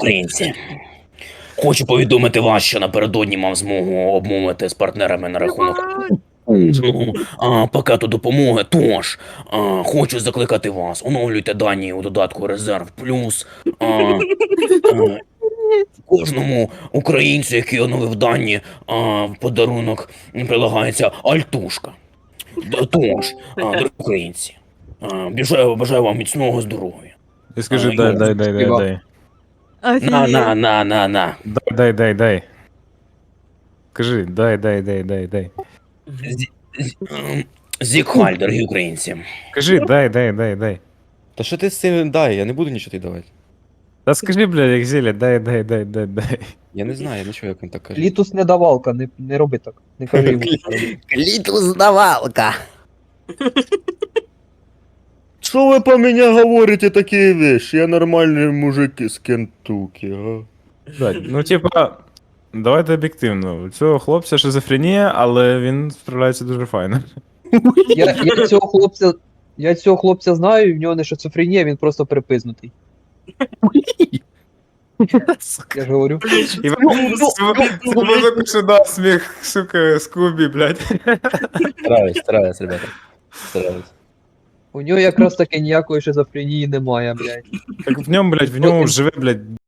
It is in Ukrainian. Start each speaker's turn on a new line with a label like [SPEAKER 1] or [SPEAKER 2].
[SPEAKER 1] Українці, хочу повідомити вас, що напередодні мав змогу обмовити з партнерами на рахунок пакету допомоги. Тож, хочу закликати вас, оновлюйте дані у додатку Резерв Плюс. Кожному українцю, який оновив дані, в подарунок прилагається альтушка. Тож, дорогі українці, бажаю вам міцного здоров'я.
[SPEAKER 2] І скажи,
[SPEAKER 1] А,
[SPEAKER 2] дай.
[SPEAKER 1] На.
[SPEAKER 2] Дай. Скажи, дай.
[SPEAKER 1] Зікхаль, дорогі українці.
[SPEAKER 2] Скажи, дай.
[SPEAKER 3] Та що ти з цим дай, я не буду нічого тобі давати.
[SPEAKER 2] Та скажи, блядь, як зілля, дай.
[SPEAKER 3] Я не знаю, я не чую, як він так каже.
[SPEAKER 4] Літус не давалка, не роби так. Не кажи йому.
[SPEAKER 1] Клітус-давалка.
[SPEAKER 3] Що ви по мені говорите такі вещи? Я нормальний мужик із Кентукі, а?
[SPEAKER 2] Блядь, ну типа, давайте об'єктивно. У цього хлопця шизофренія, але він справляється дуже файно.
[SPEAKER 4] Я цього хлопця знаю, і в нього не шизофренія, він просто припизнутий. Я ж говорю.
[SPEAKER 2] І може пише насміх, сука, Скубі, блядь.
[SPEAKER 3] Стараюсь, ребята. Стараюсь.
[SPEAKER 4] У нього якраз таки ніякої шизофренії немає, блядь.
[SPEAKER 2] Так в ньому, блядь, живе, блядь,